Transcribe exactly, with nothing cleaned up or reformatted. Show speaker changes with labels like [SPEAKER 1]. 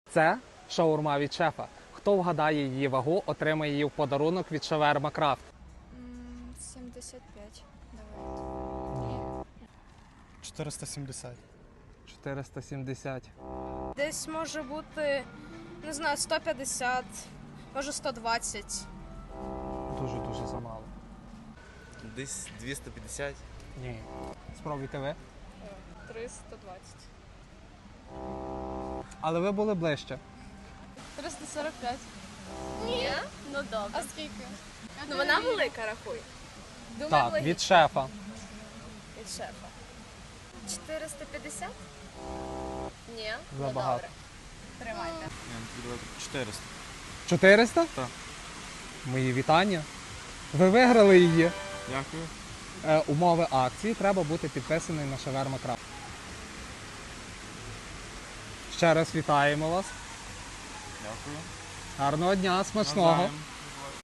[SPEAKER 1] Це шаурма від шефа. Хто вгадає її вагу, отримає її в подарунок від Шаверма Крафт.
[SPEAKER 2] М, сімдесят п'ять. Давай.
[SPEAKER 3] чотириста сімдесят.
[SPEAKER 1] чотириста сімдесят.
[SPEAKER 4] Десь може бути, не знаю, сто п'ятдесят, може сто двадцять.
[SPEAKER 1] Дуже-дуже замало.
[SPEAKER 5] Десь двісті п'ятдесят.
[SPEAKER 1] Ні. Спробуйте ви.
[SPEAKER 4] триста двадцять.
[SPEAKER 1] Але ви були ближче.
[SPEAKER 4] триста сорок п'ять.
[SPEAKER 2] Ні? Ну добре.
[SPEAKER 4] А скільки?
[SPEAKER 2] Ну вона велика, рахуй.
[SPEAKER 4] Думаю,
[SPEAKER 1] Так, від шефа.
[SPEAKER 4] від шефа.
[SPEAKER 2] чотириста п'ятдесят? Ні.
[SPEAKER 1] Забагато.
[SPEAKER 2] Ну, добре. Тримайте.
[SPEAKER 5] чотириста.
[SPEAKER 1] чотириста?
[SPEAKER 5] Так.
[SPEAKER 1] Мої вітання. Ви виграли її.
[SPEAKER 5] Дякую.
[SPEAKER 1] Е, умови акції треба бути підписаний на Шаверма Крафт. Ще раз вітаємо вас.
[SPEAKER 5] Дякую.
[SPEAKER 1] Гарного дня, смачного.
[SPEAKER 5] Навзаєм.